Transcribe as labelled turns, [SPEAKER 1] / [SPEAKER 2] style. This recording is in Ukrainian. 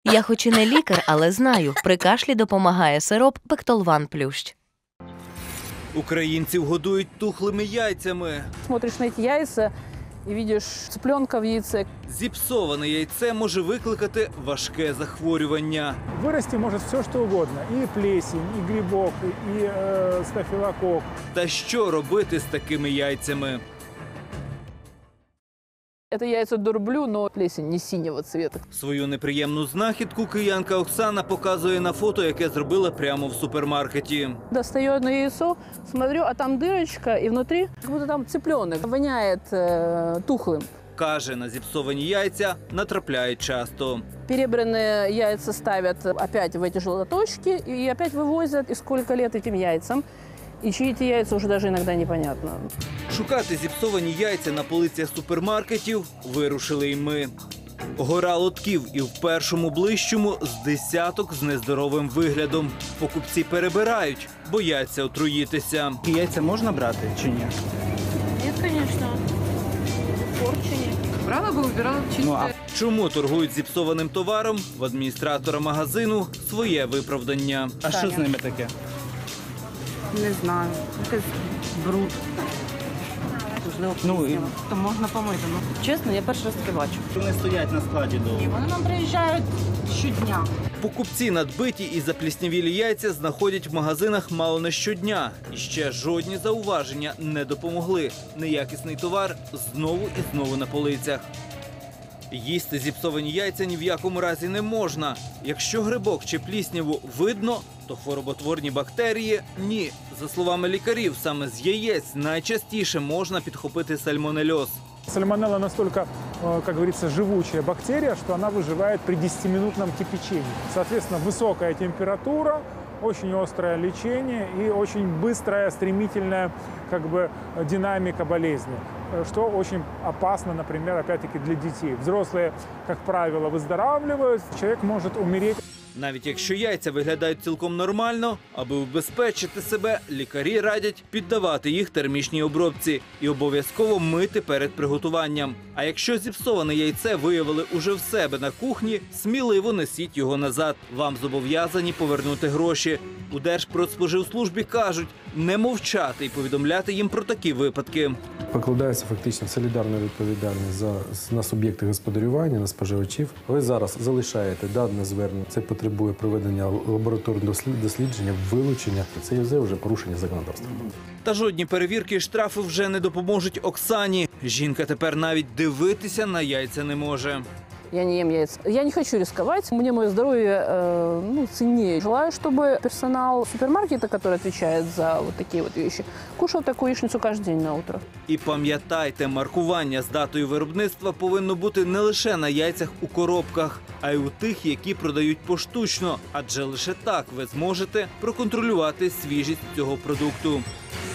[SPEAKER 1] Я хоч і не лікар, але знаю, при кашлі допомагає сироп Пектолван Плющ.
[SPEAKER 2] Українців годують тухлими яйцями.
[SPEAKER 3] Смотришь на эти яйца и видишь цыпленка в яйце.
[SPEAKER 2] Зіпсоване яйце може викликати важке захворювання.
[SPEAKER 4] Вырасти может все, что угодно. И плесень, и грибок, и стафилококк.
[SPEAKER 2] Та що робити з такими яйцями?
[SPEAKER 3] Это яйца дурблю, но плесень не синего цвета.
[SPEAKER 2] Свою неприємну знахідку киянка Оксана показує на фото, яке зробила прямо в супермаркеті.
[SPEAKER 3] Достаю одно яйцо, смотрю, а там дырочка, и внутри как будто там цыпленок. Воняет тухлым.
[SPEAKER 2] Каже, на зіпсовані яйця натрапляють часто.
[SPEAKER 3] Перебранные яйца ставят опять в эти же лоточки и опять вывозят. И сколько лет этим яйцам. И чьи эти яйца уже даже иногда непонятно.
[SPEAKER 2] Шукати зіпсовані яйця на полицях супермаркетів вирушили й ми. Гора лотків і в першому ближчому з десяток з нездоровим виглядом. Покупці перебирають, бояться отруїтися.
[SPEAKER 5] Яйця можна брати чи ні?
[SPEAKER 3] Нет, конечно. Порчени.
[SPEAKER 6] Брала бы, убирала в чистое.
[SPEAKER 2] Чому торгують зіпсованим товаром? В адміністратора магазину своє виправдання.
[SPEAKER 5] А що з ними таке?
[SPEAKER 6] Не знаю. Якийсь бруд. Можливо, пліснява. То можна помити. Ну, чесно, я перший раз таке бачу.
[SPEAKER 5] Вони стоять на складі довго.
[SPEAKER 6] Вони нам приїжджають щодня.
[SPEAKER 2] Покупці надбиті і запліснявілі яйця знаходять в магазинах мало не щодня. І ще жодні зауваження не допомогли. Неякісний товар знову і знову на полицях. Їсти зіпсовані яйця ні в якому разі не можна. Якщо грибок чи плісняву видно, то хвороботворні бактерії – ні. За словами лікарів, саме з яєць найчастіше можна підхопити сальмонельоз.
[SPEAKER 4] Сальмонелла настолько, как говорится, живучая бактерия, что она выживает при 10-минутном кипячении. Соответственно, высокая температура, очень острое лечение и очень быстрая, стремительная динамика болезни, что очень опасно, например, опять-таки для детей. Взрослые, как правило, выздоравливают, человек может умереть.
[SPEAKER 2] Навіть якщо яйця виглядають цілком нормально, аби убезпечити себе, лікарі радять піддавати їх термічній обробці і обов'язково мити перед приготуванням. А якщо зіпсоване яйце виявили уже в себе на кухні, сміливо несіть його назад. Вам зобов'язані повернути гроші. У Держпродспоживслужбі кажуть, не мовчати і повідомляти їм про такі випадки.
[SPEAKER 7] Покладається фактично солідарна відповідальність на суб'єкти господарювання, на споживачів. Ви зараз залишаєте дане звернення, це потребує проведення лабораторного дослідження, вилучення. Це є вже порушення законодавства.
[SPEAKER 2] Та жодні перевірки і штрафи вже не допоможуть Оксані. Жінка тепер навіть дивитися на яйця не може.
[SPEAKER 3] Я не ем яиц. Я не хочу рисковать. Мне мое здоровье ценнее. Желаю, чтобы персонал супермаркета, который отвечает за вот такие вот вещи, кушал такую яичницу каждый день на утро.
[SPEAKER 2] І пам'ятайте, маркування з датою виробництва повинно бути не лише на яйцях у коробках, а й у тих, які продають поштучно. Адже лише так ви зможете проконтролювати свіжість цього продукту.